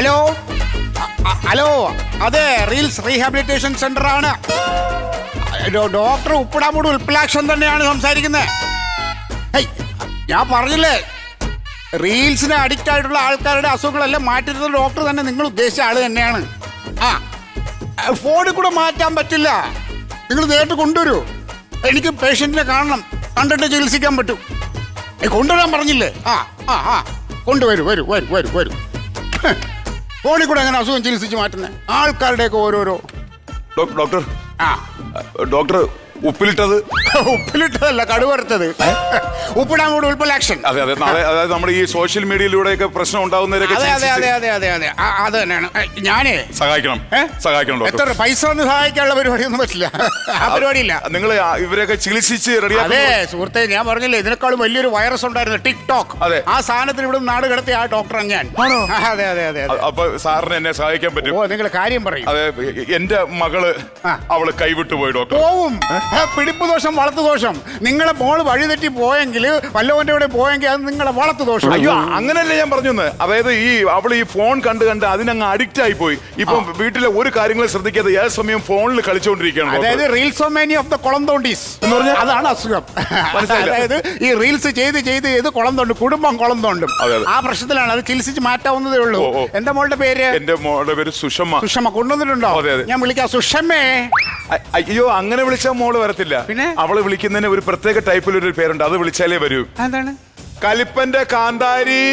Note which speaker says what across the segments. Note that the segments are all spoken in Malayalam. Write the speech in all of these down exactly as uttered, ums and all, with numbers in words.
Speaker 1: ഹലോ ഹലോ അതെ റീൽസ് റീഹാബിലിറ്റേഷൻ സെന്റർ ആണ്. ഡോക്ടർ ഉപ്പിടാമൂട് ഉൽപ്പലാക്ഷൻ തന്നെയാണ് സംസാരിക്കുന്നത്. ഞാൻ പറഞ്ഞില്ലേ, റീൽസിന് അഡിക്റ്റ് ആയിട്ടുള്ള ആൾക്കാരുടെ അസുഖങ്ങളെല്ലാം മാറ്റുന്ന ഡോക്ടർ തന്നെ നിങ്ങൾ ഉദ്ദേശിച്ച ആള് തന്നെയാണ്. ആ ഫോണിൽ കൂടെ മാറ്റാൻ പറ്റില്ല, നിങ്ങൾ നേരിട്ട് കൊണ്ടുവരൂ. എനിക്ക് പേഷ്യന്റിനെ കാണണം, കണ്ടിട്ട് ചികിത്സിക്കാൻ പറ്റും. കൊണ്ടുവരാൻ പറഞ്ഞില്ലേ? ആ ആ ആ കൊണ്ടുവരൂ, വരൂ വരൂ വരൂ വരൂ. ഫോണിൽ കൂടെ എങ്ങനെ അസുഖം ചികിത്സിച്ച് മാറ്റുന്നത്? ആൾക്കാരുടെയൊക്കെ ഓരോരോ.
Speaker 2: ഡോക്ടർ
Speaker 1: ആ
Speaker 2: ഡോക്ടർ ഉപ്പിലിട്ടത്
Speaker 1: ഉപ്പിലിട്ടതല്ല, കടുവറുത്തത്. ഉപ്പിടാമൂട് ഉൽപ്പലാക്ഷൻ.
Speaker 2: അതെ അതെ അതായത് നമ്മുടെ ഈ സോഷ്യൽ മീഡിയയിലൂടെയൊക്കെ പ്രശ്നം ഉണ്ടാവുന്നവരൊക്കെ
Speaker 1: അതെ അതെ അതെ അതെ അതെ അതെ അത് തന്നെയാണ്. ഞാനേ
Speaker 2: സഹായിക്കണം സഹായിക്കണം
Speaker 1: എത്ര പൈസ ഒന്നും സഹായിക്കാനുള്ള പരിപാടിയൊന്നും പറ്റില്ല. ആ പരിപാടിയില്ല.
Speaker 2: നിങ്ങൾ ഇവരൊക്കെ ചികിത്സിച്ച് റെഡിയാ.
Speaker 1: അതെ സുഹൃത്തെ, ഞാൻ പറഞ്ഞില്ലേ ഇതിനേക്കാളും വലിയൊരു വൈറസ് ഉണ്ടായിരുന്നു, ടിക്ടോക്ക്.
Speaker 2: അതെ,
Speaker 1: ആ സാധനത്തിന് ഇവിടെ നാട് കിടത്തിയ ആ ഡോക്ടറാണ് ഞാൻ. അതെ അതെ അതെ.
Speaker 2: അപ്പൊ സാറിന് എന്നെ സഹായിക്കാൻ പറ്റും?
Speaker 1: ഓ നിങ്ങൾ കാര്യം പറയും.
Speaker 2: അതെ, എന്റെ മകള് അവള് കൈവിട്ടു പോയി ഡോക്ടർ.
Speaker 1: പോവും. പിടിപ്പ് ദോഷം, വളർത്തു ദോഷം. നിങ്ങളെ മോള് വഴിതെറ്റി പോയെങ്കിൽ, വല്ലവന്റെ കൂടെ പോയെങ്കിൽ അത് നിങ്ങളെ വളർത്തു ദോഷം.
Speaker 2: അയ്യോ അങ്ങനല്ലേ ഞാൻ പറഞ്ഞു. അതായത് ഈ അവൾ ഈ ഫോൺ കണ്ട് കണ്ട് അതിനങ്ങ് അഡിക്റ്റ് ആയി പോയി. ഇപ്പൊ വീട്ടിലെ ഒരു കാര്യങ്ങളും ശ്രദ്ധിക്കാതെ ഏത് സമയം ഫോണിൽ കളിച്ചുകൊണ്ടിരിക്കുകയാണ്.
Speaker 1: അതായത് റീൽസോമാനി ഓഫ് ദ കുളം തോണ്ടീസ് എന്ന് പറഞ്ഞാൽ അതാണ് അസുഖം. അതായത് ഈ റീൽസ് ചെയ്ത് ചെയ്ത് ചെയ്ത് കുളം തോണ്ടും, കുടുംബം കുളം തോണ്ടും. ആ പ്രശ്നത്തിലാണ്. അത് ചികിത്സിച്ച് മാറ്റാവുന്നതേ ഉള്ളൂ. എന്റെ മോളുടെ പേര്?
Speaker 2: എന്റെ മോളുടെ പേര് സുഷമ.
Speaker 1: സുഷമ കൊണ്ടുവന്നിട്ടുണ്ടോ? ഞാൻ വിളിക്കാം സുഷമേ.
Speaker 2: അയ്യോ അങ്ങനെ വിളിച്ചാൽ മോള് വരത്തില്ല. പിന്നെ അവള് വിളിക്കുന്നതിന് ഒരു പ്രത്യേക ടൈപ്പിൽ ഒരു പേരുണ്ട്, അത് വിളിച്ചാലേ വരൂ.
Speaker 1: എന്താണ്?
Speaker 2: കലിപ്പന്റെ കാന്താരി.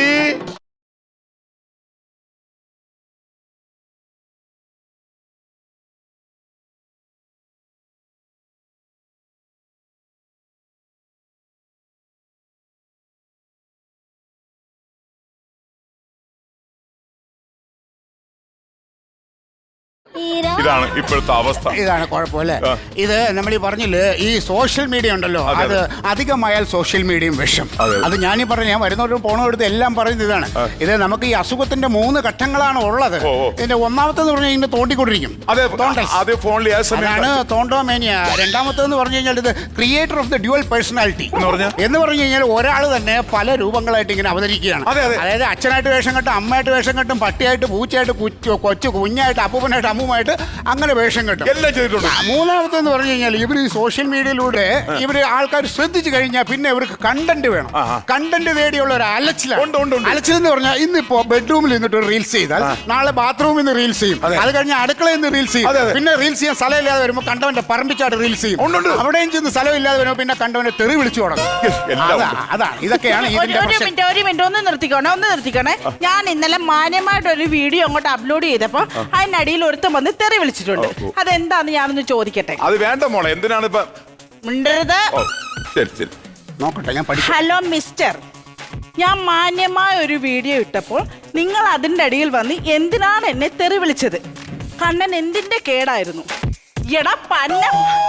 Speaker 2: ഇതാണ് ഇപ്പോഴത്തെ അവസ്ഥ.
Speaker 1: ഇതാണ് കുഴപ്പമില്ലേ? ഇത് നമ്മൾ ഈ പറഞ്ഞില്ലേ, ഈ സോഷ്യൽ മീഡിയ ഉണ്ടല്ലോ, അത് അധികമായാൽ സോഷ്യൽ മീഡിയയും വിഷം. അത് ഞാനീ പറഞ്ഞു, ഞാൻ വരുന്നവരും പോണവരുത് എല്ലാം പറയുന്നത് ഇതാണ്. ഇത് നമുക്ക് ഈ അസുഖത്തിന്റെ മൂന്ന് ഘട്ടങ്ങളാണ് ഉള്ളത്. ഇതിന്റെ ഒന്നാമത്തെന്ന് പറഞ്ഞു കഴിഞ്ഞാൽ തോണ്ടിക്കൊണ്ടിരിക്കും, അതാണ് തോണ്ടോമേനിയ. രണ്ടാമത്തേന്ന് പറഞ്ഞു കഴിഞ്ഞാൽ ഇത് creator of the dual personality എന്ന് പറഞ്ഞു കഴിഞ്ഞാൽ ഒരാൾ തന്നെ പല രൂപങ്ങളായിട്ട് ഇങ്ങനെ അവതരിക്കുകയാണ്. അതായത് അച്ഛനായിട്ട് വേഷം കെട്ടും, അമ്മയായിട്ട് വേഷം കെട്ടും, പട്ടിയായിട്ട്, പൂച്ചയായിട്ട്, കൊച്ചു കുഞ്ഞായിട്ട്, അപ്പൂപ്പനായിട്ട്, അമ്മൂമായിട്ട്, അങ്ങനെ വേഷം കെട്ടും. എല്ലാം ചെയ്തിട്ടുണ്ട്. മൂന്നാമത്തെന്ന് പറഞ്ഞു കഴിഞ്ഞാൽ ഇവർ ഈ സോഷ്യൽ മീഡിയയിലൂടെ ഇവര് ആൾക്കാർ ശ്രദ്ധിച്ചു കഴിഞ്ഞാൽ പിന്നെ ഇവർക്ക് കണ്ടന്റ് വേണം. കണ്ടന്റ് തേടിയുള്ള ഒരു അലച്ചിലാണ്. അലച്ചിൽ എന്ന് പറഞ്ഞാൽ ഇന്നിപ്പോ ബെഡ്റൂമിൽ നിന്നിട്ട് റീൽസ് ചെയ്താൽ നാളെ ബാത്റൂമിൽ നിന്ന് റീൽസ് ചെയ്യും, അത് കഴിഞ്ഞ് അടുക്കളയിൽ നിന്ന് റീൽസ് ചെയ്യും, പിന്നെ റീൽസ് ചെയ്യാൻ സ്ഥലമില്ലാതെ വരുമ്പോൾ കണ്ടവന്റെ പറമ്പിച്ചായിട്ട് റീൽസ് ചെയ്യും, അവിടെയും ചെന്ന് സ്ഥലമില്ലാതെ വരുമ്പോൾ പിന്നെ കണ്ടവന്റെ തെറി വിളിച്ചു തുടങ്ങും. അതാണ് ഇതൊക്കെയാണ് ഇതിന്റെ
Speaker 3: മിനിറ്റ് ഒരു മിനിറ്റ് ഒന്ന് നിർത്തിക്കോണേ ഒന്ന് നിർത്തിക്കോണേ ഞാൻ ഇന്നലെ മാന്യമായിട്ട് ഒരു വീഡിയോ അങ്ങോട്ട് അപ്ലോഡ് ചെയ്തപ്പോ അതിനടിയിൽ ഒരുത്തം വന്ന് തെറി വിളിച്ചിട്ടുണ്ട്. അതെന്താന്ന് ഞാനൊന്ന് ചോദിക്കട്ടെ?
Speaker 2: അത് വേണ്ട മോളെ, എന്തിനാണ് ഇപ്പൊ
Speaker 3: മിണ്ടരുത്.
Speaker 1: നോക്കട്ടെ, ഞാൻ പഠിക്കാം.
Speaker 3: ഹലോ മിസ്റ്റർ, ഞാൻ മാന്യമായ ഒരു വീഡിയോ ഇട്ടപ്പോൾ നിങ്ങൾ അതിന്റെ അടിയിൽ വന്ന് എന്തിനാണ് എന്നെ തെറി വിളിച്ചത്? കണ്ണൻ എന്തിന്റെ കേടായിരുന്നു? എടാ പന്ന,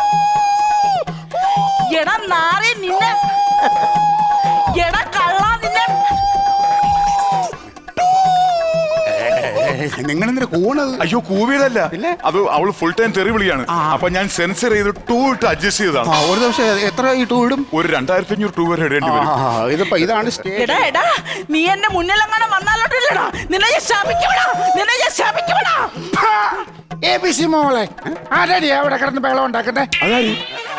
Speaker 3: എടാ നാറി നിന്നെ, എടാ കള്ള നിന്നെ.
Speaker 1: നിങ്ങളെന്തിനാ കൂണത്?
Speaker 2: അയ്യോ കൂവിയതല്ല, അത് അവള് ഫുൾ ടൈം തെറി വിളിയാണ്. അപ്പൊ ഞാൻ സെൻസർ ചെയ്ത് ടൂ ഇട്ട് അഡ്ജസ്റ്റ് ചെയ്തതാണ്.
Speaker 1: ഒരു ദിവസം എത്ര ഈ ടൂ ഇടും?
Speaker 2: ഒരു രണ്ടായിരത്തി അഞ്ഞൂറ് ടൂ വരെ ഇടേണ്ടി വരും.
Speaker 1: ഇതിപ്പോ ഇതാണ്.
Speaker 3: എടാ എടാ നീ എന്റെ മുന്നിലെങ്ങനെ വന്നാലോട്ടില്ലടാ, നിന്നെ ഞാൻ ശാപിക്കപ്പെടാ, നിന്നെ ഞാൻ ശാപിക്കപ്പെടാ.
Speaker 1: എ ബി സി മോളെ ആരാടി അവിടെ കിടന്ന് ബഹളം ഉണ്ടാക്കട്ടെ?
Speaker 2: അതായി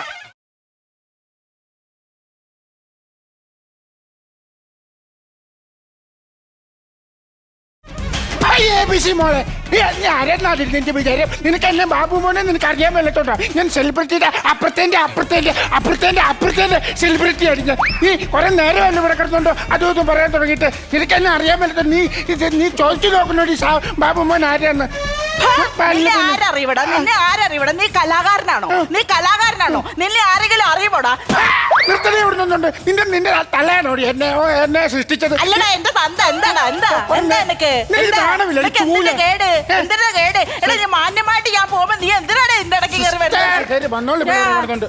Speaker 1: മോളെ നിന്റെ വിചാരം നിനക്ക് എന്നെ ബാബു മോനെ നിനക്ക് അറിയാൻ മേലത്തോട്ടോ? ഞാൻ സെലിബ്രിറ്റിയുടെ അപ്പുറത്തേന്റെ അപ്പുറത്തേന്റെ അപ്പുറത്തേന്റെ അപ്പുറത്തേന്റെ സെലിബ്രിറ്റി ആയിരുന്നു. നീ കുറെ നേരം അല്ല ഇവിടെ കിടന്നുണ്ടോ അതും ഇതും പറയാൻ തുടങ്ങിയിട്ട് നിനക്ക് എന്നെ അറിയാൻ മേലത്തോ? നീ ഇത് നീ ചോദിച്ചു നോക്കണോ ഈ ബാബു മോൻ ആരാന്ന്?
Speaker 3: ആരറിയടാ നിന്നെ? ആരറിയടാ? നീ കലാകാരനാണോ? നീ കലാകാരനാണോ? നിന്നെ ആരെങ്കിലും അറിയുമോടാ?
Speaker 1: നിർത്തണേ ഇവിടെ നിന്നുണ്ട്. നിന്റെ നിന്റെ തലയാണോടി എന്നെ എന്നെ സൃഷ്ടിച്ചത്?
Speaker 3: അല്ലടാ എന്റെ തന്ത എന്താടാ? എന്താ എന്താ എനിക്ക് കേട്? എന്തിനാ കേട്? എടാ ഞാൻ മാന്യമായിട്ട് ഞാൻ പോകുമ്പോ നീ എന്തിനാണ് എന്റെ ഇടയ്ക്ക് കയറി വരുന്നത്?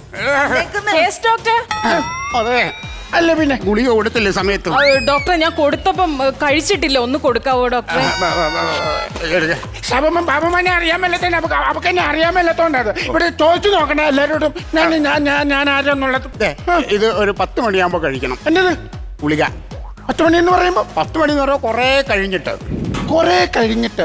Speaker 1: അതെ അല്ല പിന്നെ ഗുളിക കൊടുത്തില്ലേ സമയത്ത്?
Speaker 4: ഡോക്ടറെ ഞാൻ കൊടുത്തപ്പം കഴിച്ചിട്ടില്ല, ഒന്ന് കൊടുക്കാവോ ഡോക്ടറെ?
Speaker 1: ബാബുമാനെ അറിയാൻ മേലത്തന്നെ അവക്ക് എന്നെ അറിയാൻ മേലത്തോണ്ടത്. ഇവിടെ ചോദിച്ചു നോക്കണേ എല്ലാവരോടും ഞാൻ ഞാൻ ഞാൻ ആരാന്നുള്ളത്. ഇത് ഒരു പത്ത് മണിയാകുമ്പോ കഴിക്കണം. എന്നത് ഗുളിക പത്ത് മണി എന്ന് പറയുമ്പോ പത്ത് മണി എന്ന് പറയുമ്പോൾ കുറെ കഴിഞ്ഞിട്ട്
Speaker 5: കൊറേ കഴിഞ്ഞിട്ട്.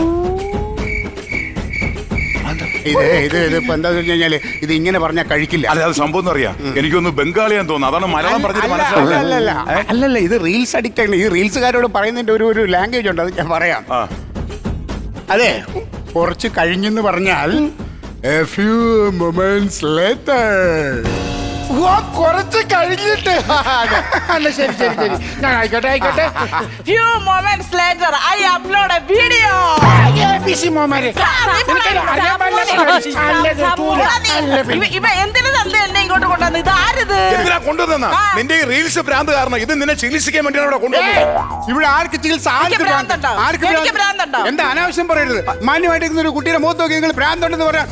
Speaker 1: ഇത് ഇത് ഇതിപ്പോ എന്താന്ന് വെച്ച് കഴിഞ്ഞാല് ഇത് ഇങ്ങനെ പറഞ്ഞാൽ കഴിക്കില്ല.
Speaker 2: അല്ല അത് സംഭവം അറിയാം, എനിക്കൊന്ന് ബംഗാളിയാന്ന് തോന്നുന്നു, അതാണ് മലയാളം പറഞ്ഞിട്ട്
Speaker 1: അല്ല,
Speaker 2: മനസ്സിലാവില്ല.
Speaker 1: അല്ലല്ല അല്ലല്ല ഇത് റീൽസ് അഡിക്റ്റ് ആണ്. ഈ റീൽസുകാരോട് പറയുന്നതിന്റെ ഒരു ഒരു ലാംഗ്വേജ് ഉണ്ട്, അത് ഞാൻ പറയാം.
Speaker 2: ആ.
Speaker 1: അതെ, കുറച്ച് കഴിഞ്ഞെന്ന് പറഞ്ഞാൽ a few moments later.
Speaker 5: ഓ, കുറച്ച് കഴിഞ്ഞിട്ട്. അല്ല ശരി ശരി ശരി, ഞാൻ ആയിക്കോട്ടെ ആയിക്കോട്ടെ.
Speaker 3: Few moments later, I upload a video.
Speaker 5: Busy മോമാരെ, എനിക്കറിയാം, അറിയാൻ പാടില്ല. അല്ലത് തൂല. അല്ല പിന്നെ.
Speaker 3: ഇവ എന്തിനു തന്നെ എന്നെ ഇങ്ങോട്ട് കൊണ്ടുവന്ന്? ഇത് ആരിത്?
Speaker 2: എന്തിനാ കൊണ്ടുവന്ന? നിന്റെ ഈ റീൽസ് ഭ്രാന്ത് കാരണം ഇത് നിന്നെ ചികിത്സിക്കാൻ വേണ്ടിയാണ് ഇവിടെ കൊണ്ടുവന്നത്.
Speaker 1: ഇവിടെ ആർക്ക് ചികിത്സ? ആർക്ക്
Speaker 3: എനിക്ക്
Speaker 1: ഭ്രാന്ത്?
Speaker 3: ഭ്രാന്തുണ്ടോ?
Speaker 1: ആർക്ക്
Speaker 3: എനിക്ക്
Speaker 1: ഭ്രാന്ത്?
Speaker 3: ഭ്രാന്തുണ്ടോ?
Speaker 1: എന്താ അനാവശ്യം പറയരുത്. മാന്യമായിട്ട് ഒരു കുട്ടിയുടെ മുഖത്ത് നോക്കി നിങ്ങൾ ഭ്രാന്തുണ്ടെന്ന് പറയാം.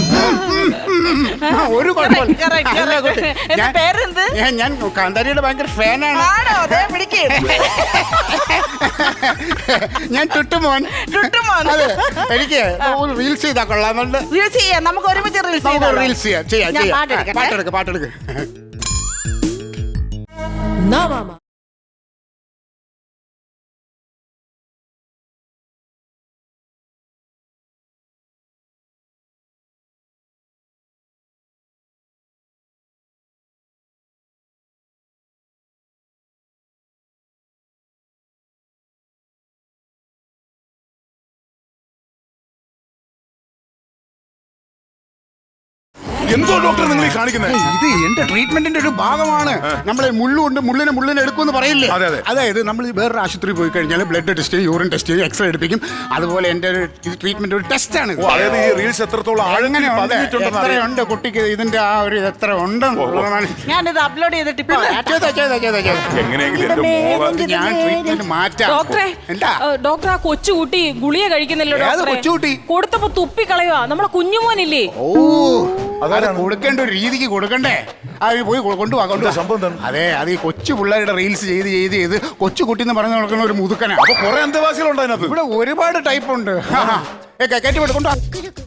Speaker 1: ഒരു കുഴപ്പമില്ല.
Speaker 3: Correct, correct,
Speaker 1: അല്ല, കുട്ടി,
Speaker 3: correct. എന്റെ
Speaker 1: ഞാൻ-
Speaker 3: പേരെന്ത്?
Speaker 1: ഞാൻ- ഞാൻ കാന്താരിയുടെ ഭയങ്കര ഫാനാണ്.
Speaker 3: ആണോ? ദേ പിടിക്ക്.
Speaker 1: ഞാൻ ടുട്ടുമോൻ.
Speaker 3: ടുട്ടുമോൻ.
Speaker 1: അതെ, എനിക്ക് ഒരു റീൽസ് ചെയ്താൽ കൊള്ളാമെന്നുണ്ട്.
Speaker 3: റീൽസ് ചെയ്യാം, നമുക്ക് ഒരുമിച്ച് റീൽസ്
Speaker 1: നമുക്ക്
Speaker 3: ചെയ്യാം.
Speaker 1: റീൽസ് ചെയ്യാം ചെയ്യാം
Speaker 3: ഞാൻ
Speaker 1: ചെയ്യാം.
Speaker 3: പാട്ടെടുക്കട്ടെ?
Speaker 1: പാട്ടെടുക്ക് പാട്ടെടുക്ക്.
Speaker 2: എന്തോ ഡോക്ടർ നിങ്ങൾ ഈ കാണിക്കുന്നത്?
Speaker 1: ഇത് എന്റെ ട്രീറ്റ്മെന്റിന്റെ ഒരു ഭാഗമാണ്. നമ്മൾ മുള്ളുണ്ട്, മുള്ളിനെ മുള്ളിനെ എടുക്കുമെന്ന് പറയില്ലേ?
Speaker 2: അതെ, അതെ.
Speaker 1: അതായത് നമ്മൾ വേറൊരു ആശുപത്രി പോയി കഴിഞ്ഞാൽ ബ്ലഡ് ടെസ്റ്റ് ചെയ്യും, യൂറിൻ ടെസ്റ്റ് ചെയ്യും, എക്സ്റേ എടുപ്പിക്കും. അതുപോലെ എന്റെ ഒരു ട്രീറ്റ്മെന്റ് ഒരു ടെസ്റ്റ് ആണ്.
Speaker 2: ഓ, അതായത് ഈ റീൽസ് എത്രത്തോളം
Speaker 1: അങ്ങനെ
Speaker 2: ആഴത്തിൽ പതിഞ്ഞിട്ടുണ്ടെന്ന് അറിയാം.
Speaker 1: എത്രയുണ്ട് കുട്ടിക്ക് ഇതിന്റെ ആ ഒരു എത്ര ഉണ്ടെന്നുള്ളതാണ്.
Speaker 3: ഞാനിത് അപ്ലോഡ് ചെയ്തിട്ട് ഇപ്പൊ വരാം.
Speaker 1: ചെയ്തോ, ചെയ്തോ, ചെയ്തോ, ചെയ്തോ.
Speaker 2: എങ്ങനെയെങ്കിലും എന്റെ മോളെ
Speaker 1: ഞാൻ ട്രീറ്റ്മെന്റ് മാറ്റാം.
Speaker 4: ഡോക്ടറെ,
Speaker 1: എന്താ
Speaker 4: ഏ, ഡോക്ടർ ആ കൊച്ചുകുട്ടി ഗുളിക കഴിക്കുന്നില്ലോ
Speaker 1: ഏത്
Speaker 4: ഡോക്ടറെ?
Speaker 1: കൊച്ചുകുട്ടി?
Speaker 4: കൊടുത്തപ്പോ തുപ്പി കളയുവാ. നമ്മളെ കുഞ്ഞുമോനില്ലേ?
Speaker 1: ഓ, അത് കൊടുക്കേണ്ട ഒരു രീതിക്ക് കൊടുക്കണ്ടേ? അത് പോയി കൊ- കൊണ്ടുപോവാ കൊണ്ടുപോവാ.
Speaker 2: സംഭവം എന്താണ്?
Speaker 1: അതെ, അത് ഈ കൊച്ചു പിള്ളേരുടെ റീൽസ് ചെയ്ത് ചെയ്ത് ചെയ്ത് കൊച്ചു കുട്ടി എന്ന് പറഞ്ഞു നടക്കുന്ന ഒരു മുതുക്കനാ.
Speaker 2: അപ്പൊ കുറെ അന്തവാസികളുണ്ട് അതിനകത്ത്.
Speaker 1: ഇവിടെ ഒരുപാട് ടൈപ്പ് ഉണ്ട്. കയറ്റി വിട്ട് കൊണ്ടുവാ.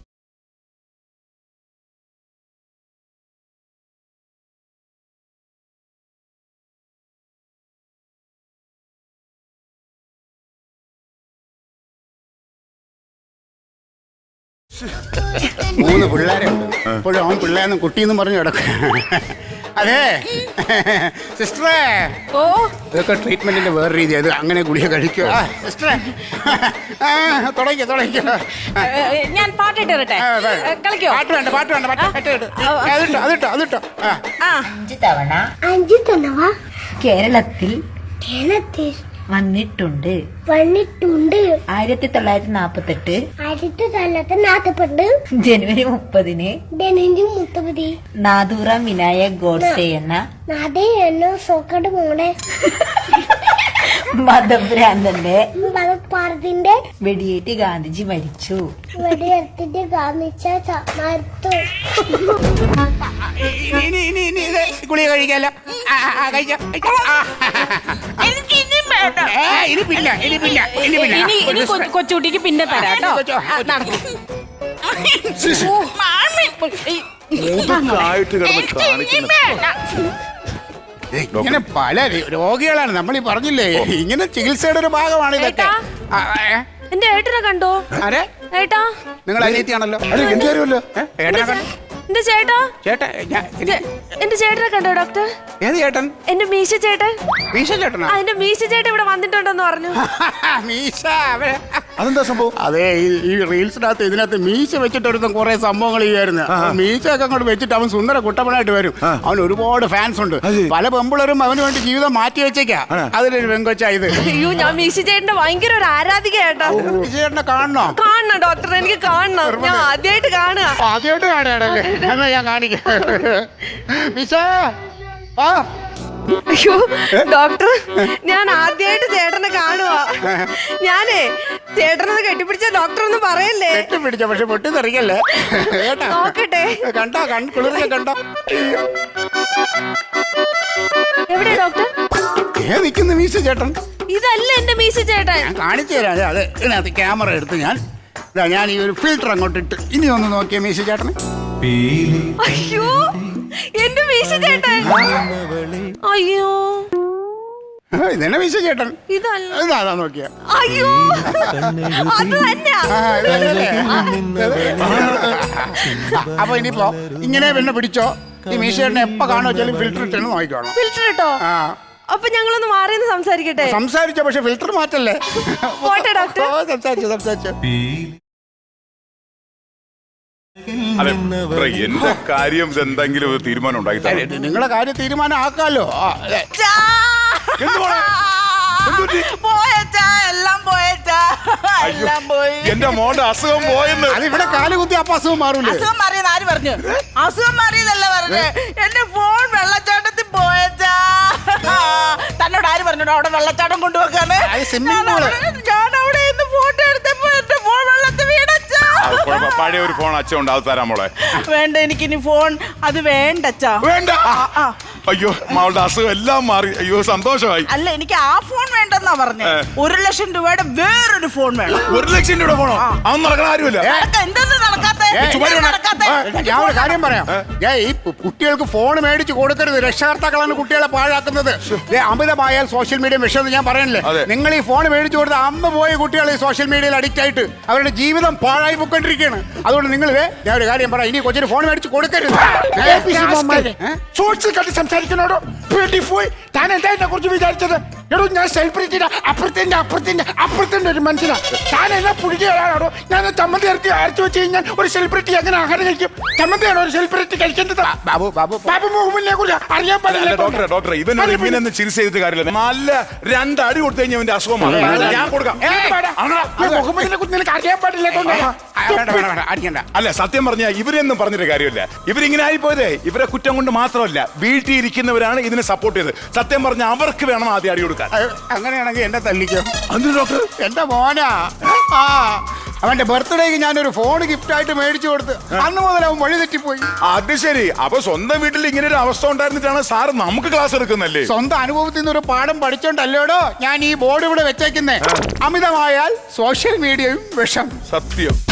Speaker 1: മൂന്ന് പിള്ളേരുണ്ട്. ഇപ്പോഴും അവൻ പിള്ളേന്ന് കുട്ടിയെന്നും പറഞ്ഞു കിടക്കുക. അതെ സിസ്റ്ററേ,
Speaker 4: ഓ,
Speaker 1: ഇതൊക്കെ ട്രീറ്റ്മെന്റിന്റെ വേറെ രീതി. അത് അങ്ങനെ ഗുളിക കഴിക്കുക. ആ, സിസ്റ്ററേ, തുടങ്ങിക്കോ തുടങ്ങിക്കോ.
Speaker 4: ഏ, ഏ, ഞാൻ പാട്ടിട്ട് തരട്ടെ?
Speaker 1: ആ, അതെ.
Speaker 4: ഏ, കളിക്കോ?
Speaker 1: പാട്ട് വേണ്ട, പാട്ട് വേണ്ട, പാട്ട് പാട്ട് കേട്ട്. അതിട്ടോ അതിട്ടോ അതിട്ടോ. ആ,
Speaker 4: ആ,
Speaker 6: അഞ്ച് തവണ
Speaker 7: അഞ്ചു തവണ
Speaker 6: കേരളത്തിൽ
Speaker 7: കേരളത്തിൽ
Speaker 6: വന്നിട്ടുണ്ട്.
Speaker 7: വന്നിട്ടുണ്ട്.
Speaker 6: ആയിരത്തി തൊള്ളായിരത്തി നാപ്പത്തെട്ട്
Speaker 7: ആയിരത്തി തൊള്ളായിരത്തി നാൽപ്പത്തെട്ട്
Speaker 6: ജനുവരി മുപ്പതിന്
Speaker 7: ജനുവരി മുപ്പത്
Speaker 6: നാദൂറാം വിനായക് ഗോഡ്സെ എന്ന
Speaker 7: നാദേ എന്ന സോക്കട്ട് മോടെ
Speaker 6: മതഭ്രാന്തന്റെ
Speaker 7: മതപ്പാടത്തിന്റെ
Speaker 6: വെടിയേറ്റ് ഗാന്ധിജി മരിച്ചു.
Speaker 7: വെടിയെടുത്തിട്ട് കാണിച്ച മരുത്തു.
Speaker 1: ഇനി ഇനി ഇനി ഇത് ഗുളിക കഴിക്കാലോ. ആ, ആ, ആ, കഴിക്കാം, കഴിക്കാം. ആ,
Speaker 3: എനിക്ക് ഇനിയും വേണ്ട.
Speaker 1: ഏ, ഇനി പിന്നെ ഇനി പിന്നെ ഇനി പിന്നെ
Speaker 4: ഇനി ഇനി കൊ- കൊച്ചുകുട്ടിക്ക് പിന്നെ തരാം കേട്ടോ. ആ, നടക്ക്.
Speaker 3: മാമി.
Speaker 2: മുതുക്കായിട്ട് കിടന്ന്
Speaker 3: എനിക്ക് ഇനിയും
Speaker 2: കാണിക്കുന്നത്.
Speaker 3: വേണ്ട.
Speaker 1: ഇങ്ങനെ പല രോഗികളാണ് നമ്മൾ ഈ പറഞ്ഞില്ലേ. ഇങ്ങനെ ചികിത്സയുടെ ഒരു ഭാഗമാണ് ഇതൊക്കെ.
Speaker 4: ഏട്ടാ.
Speaker 1: ആ, ഏ?
Speaker 4: എന്റെ ഏട്ടനെ കണ്ടോ?
Speaker 1: ആരെ?
Speaker 4: ഏട്ടാ,
Speaker 1: നിങ്ങൾ അനിയത്തിയാണല്ലോ.
Speaker 2: അല്ല എനിക്കറിയുമല്ലോ.
Speaker 1: ഏ? ഏട്ടനെ കണ്ടോ?
Speaker 4: എന്റെ ചേട്ടാ,
Speaker 1: ചേട്ടാ ഞാൻ
Speaker 4: ചേ- എന്റെ ചേട്ടനെ കണ്ടോ ഡോക്ടർ?
Speaker 1: ഏത് ചേട്ടൻ?
Speaker 4: എന്റെ മീശ ചേട്ടൻ.
Speaker 1: മീശ ചേട്ടനാ?
Speaker 4: ആ, എന്റെ മീശ ചേട്ടൻ ഇവിടെ വന്നിട്ടുണ്ടെന്ന് പറഞ്ഞു.
Speaker 1: മീശ അവൻ-
Speaker 2: അതെന്താ സംഭവം?
Speaker 1: അതെ, ഈ ഈ റീൽസിനകത്ത് ഇതിനകത്ത് മീശ വെച്ചിട്ടെടുത്ത കുറെ സംഭവങ്ങൾ ചെയ്യായിരുന്നു. മീശയൊക്കെ അങ്ങോട്ട് വെച്ചിട്ട് അവൻ സുന്ദര കുട്ടപ്പനായിട്ട് വരും. അവൻ ഒരുപാട് ഫാൻസ് ഉണ്ട്.
Speaker 2: അതെ.
Speaker 1: പല പെമ്പിളരും അവന് വേണ്ടി ജീവിതം മാറ്റി വെച്ചേക്കാ. അതിലൊരു പെങ്കൊച്ചാ ഇത്.
Speaker 4: അയ്യോ, ഞാൻ മീശ ചേട്ടന്റെ ഭയങ്കര ഒരു ആരാധിക ഏട്ടാ.
Speaker 1: മീശ ചേട്ടനെ കാണണോ?
Speaker 4: കാണണം ഡോക്ടർ, എനിക്ക് കാണണം. ഞാൻ ആദ്യമായിട്ട് കാണുക.
Speaker 1: ആദ്യമായിട്ട് കാണാടല്ലേ? എന്നാ ഞാൻ കാണിക്കാം. മീശ ആ,
Speaker 4: അയ്യോ ഡോക്ടർ, ഞാൻ ആദ്യമായിട്ട് ചേട്ടനെ കാണുക. ഞാനേ ചേട്ടനത് കെട്ടിപ്പിടിച്ച ഡോക്ടർ ഒന്നും പറയല്ലേ.
Speaker 1: കെട്ടിപ്പിടിച്ച പക്ഷെ പൊട്ടിത്തെറിക്കല്ലേ കേട്ടാ.
Speaker 4: നോക്കട്ടെ.
Speaker 1: കണ്ടോ കൺ കുളിർക്കെ കണ്ടോ?
Speaker 4: എവിടെ ഡോക്ടർ?
Speaker 1: ഏ നിൽക്കുന്നു മീശ ചേട്ടൻ.
Speaker 4: ഇതല്ല എന്റെ മീശ ചേട്ടൻ.
Speaker 1: ഞാൻ കാണിച്ചു തരാം. അതെ, അതെ, ഇതിനകത്ത് ക്യാമറ എടുത്ത് ഞാൻ ഇതാ ഞാൻ ഈ ഒരു ഫിൽറ്റർ അങ്ങോട്ട് ഇട്ട് ഇനി ഒന്ന് നോക്കിയ മീശ ചേട്ടന്.
Speaker 4: അയ്യോ, എന്റെ മീശ ചേട്ടൻ. അയ്യോ,
Speaker 1: ഇതന്നെ മീശ ചേട്ടൻ.
Speaker 8: ഇതല്ല.
Speaker 1: ഇതാ നോക്കിയ.
Speaker 8: അയ്യോ അത് തന്നെയാ.
Speaker 1: അപ്പൊ ഇനിയിപ്പോ ഇങ്ങനെ പിന്നെ പിടിച്ചോ. ഈ മീശ ചേട്ടനെ എപ്പോ കാണുമോ വെച്ചാലും ഫിൽറ്റർ ഇട്ടെന്ന് നോക്കിക്കോണം.
Speaker 8: ഫിൽറ്റർ ഇട്ടോ?
Speaker 1: ആ
Speaker 8: അപ്പൊ ഞങ്ങളൊന്ന് മാറിയെന്ന് സംസാരിക്കട്ടെ?
Speaker 1: സംസാരിച്ചോ, പക്ഷെ ഫിൽറ്റർ മാറ്റല്ലേ.
Speaker 8: പോട്ടെ ഡോക്ടർ.
Speaker 1: ഓ, സംസാരിച്ചു സംസാരിച്ചു.
Speaker 2: അതെ ഡോക്ടറെ, എന്റെ കാര്യം എന്തെങ്കിലും ഒരു തീരുമാനം ഉണ്ടാക്കി തരാം.
Speaker 1: നിങ്ങളെ കാര്യം തീരുമാനം ആക്കാലോ. ആ, അതെ.
Speaker 3: ചാ.
Speaker 2: എന്ത് മോളെ? എന്ത് പറ്റി?
Speaker 3: പോയച്ചാ, എല്ലാം പോയച്ചാ, എല്ലാം പോയി.
Speaker 2: എന്റെ മോന്റെ അസുഖം പോയെന്ന്.
Speaker 1: അത് ഇവിടെ കാല് കുത്തി അപ്പൊ അസുഖം മാറൂലേ?
Speaker 3: അസുഖം മാറിയെന്ന് ആര് പറഞ്ഞു? അസുഖം മാറിയതല്ല പറഞ്ഞേ, എന്റെ ഫോൺ വെള്ളച്ചാട്ടത്തിൽ പോയച്ചാ. തന്നോട് ആര് പറഞ്ഞോ അവിടെ വെള്ളച്ചാട്ടം കൊണ്ടുപോക്കാണ്?
Speaker 1: അത് swimming pool.
Speaker 3: ഞാൻ അവിടെ നിന്ന് ഫോട്ടോ എടുത്തപ്പോ എന്റെ ഫോൺ വെള്ളത്തിൽ വീണച്ചാ.
Speaker 2: അത് കുഴപ്പം. പഴയ ഒരു ഫോൺ അച്ഛൻ ഉണ്ട്, അത് തരാം മോളെ.
Speaker 3: വേണ്ട, എനിക്കിനി ഫോൺ അത് വേണ്ടച്ചാ.
Speaker 2: വേണ്ട.
Speaker 3: ആ.
Speaker 2: അയ്യോ, മകളുടെ അസുഖം എല്ലാം മാറി. അയ്യോ, സന്തോഷമായി.
Speaker 3: അല്ല, എനിക്ക് ആ ഫോൺ വേണ്ടെന്നാ പറഞ്ഞേ. ഒരു ലക്ഷം രൂപയുടെ വേറൊരു ഫോൺ വേണം.
Speaker 2: ഒരു ലക്ഷം രൂപ ഫോണോ? അതൊന്നും നടക്കണ കാര്യമില്ല.
Speaker 3: നടക്ക- എന്തെന്ന് നടക്കാത്തെ? എന്തെന്ന് നടക്കാത്തെ?
Speaker 1: ഞാൻ ഒരു കാര്യം പറയാം. ഞാൻ ഈ പു- കുട്ടികൾക്ക് ഫോൺ മേടിച്ച് കൊടുക്കരുത്. രക്ഷകർത്താക്കളാണ് കുട്ടികളെ പാഴാക്കുന്നത്. ദേ, അമിതമായാൽ സോഷ്യൽ മീഡിയ വിഷയം ഞാൻ പറയണില്ലേ.
Speaker 2: അതെ.
Speaker 1: നിങ്ങൾ ഈ ഫോൺ മേടിച്ചു കൊടുത്ത അന്ന് പോയി കുട്ടികൾ ഈ സോഷ്യൽ മീഡിയയിൽ അഡിക്റ്റ് ആയിട്ട് അവരുടെ ജീവിതം പാഴായി പോയിക്കൊണ്ടിരിക്കുകയാണ്. അതുകൊണ്ട് നിങ്ങൾ ഞാൻ ഒരു കാര്യം പറയാം, ഇനി കൊച്ചിന് ഫോൺ മേടിച്ച് കൊടുക്കരുത്.
Speaker 5: സോഴ്സിൽ കണ്ട് സംസാരിക്കണോടോ പോയി. താൻ എന്താ എന്നെ കുറിച്ച് വിചാരിച്ചത്? എടോ, ഞാൻ സെലിബ്രിറ്റിയുടെ അപ്പുറത്തിന്റെ അപ്പുറത്തിന്റെ അപ്പുറത്തിന്റെ ഒരു മനുഷ്യനാ. താൻ എന്നെ പുഴുകിയാണോ? ഞാൻ ചമ്മന്തി ഇറക്കി അരച്ചു വെച്ച് കഴിഞ്ഞാൽ ഒരു സെലിബ്രിറ്റി എങ്ങനെ ആഹാരം കഴിക്കും? ചമ്മന്തിയാണോ ഒരു സെലിബ്രിറ്റി കഴിക്കേണ്ടത്?
Speaker 1: ബാബു ബാബു
Speaker 5: ബാബു മുഹമ്മദിനെ കുറിച്ച് അറിയാൻ
Speaker 2: അല്ല,
Speaker 5: പാടില്ല.
Speaker 2: ഡോക്ടറെ ഡോക്ടറെ ഇവനോട് ഇങ്ങനെയൊന്നും ചികിത്സ ചെയ്തിട്ട് കാര്യമില്ല. നല്ല രണ്ട് അടി കൊടുത്തു കഴിഞ്ഞാൽ അവന്റെ അസുഖം മാറും. ഞാൻ കൊടുക്കാം.
Speaker 5: മുഹമ്മദിനെ കുറിച്ച് നിനക്ക് അറിയാൻ പാടില്ല.
Speaker 1: വേണ്ട വേണ്ട വേണ്ട അടിക്കണ്ട.
Speaker 2: അല്ല, സത്യം പറഞ്ഞാൽ ഇവരെയൊന്നും പറഞ്ഞിട്ട് കാര്യമില്ല. ഇവരിങ്ങനെ ആയിപ്പോയതേ ഇവരെ കുറ്റം കൊണ്ട് മാത്രമല്ല, വീട്ടിൽ ഇരിക്കുന്നവരാണ് ഇതിനെ സപ്പോർട്ട് ചെയ്തത്. സത്യം പറഞ്ഞാൽ അവർക്ക് വേണം ആദ്യം അടി കൊടുക്കാൻ.
Speaker 1: അയ്യോ, അങ്ങനെയാണെങ്കിൽ എന്നെ തല്ലിക്കോ.
Speaker 2: എന്തിനു ഡോക്ടർ?
Speaker 1: എന്റെ മോനാ. ആ അവന്റെ ബർത്ത്ഡേക്ക് ഞാനൊരു ഫോൺ ഗിഫ്റ്റ് ആയിട്ട് മേടിച്ചു കൊടുത്ത് അന്ന് മുതൽ അവൻ വഴി തെറ്റിപ്പോയി.
Speaker 2: അത് ശരി. അപ്പൊ സ്വന്തം വീട്ടിൽ ഇങ്ങനെ ഒരു അവസ്ഥ ഉണ്ടായിരുന്നിട്ടാണ് സാറ് നമുക്ക് ക്ലാസ് എടുക്കുന്നല്ലേ?
Speaker 1: സ്വന്തം അനുഭവത്തിൽ നിന്ന് ഒരു പാഠം പഠിച്ചോണ്ടല്ലോടോ ഞാൻ ഈ ബോർഡ് ഇവിടെ വെച്ചേക്കുന്നേ. അമിതമായാൽ സോഷ്യൽ മീഡിയയും വിഷം.
Speaker 2: സത്യം.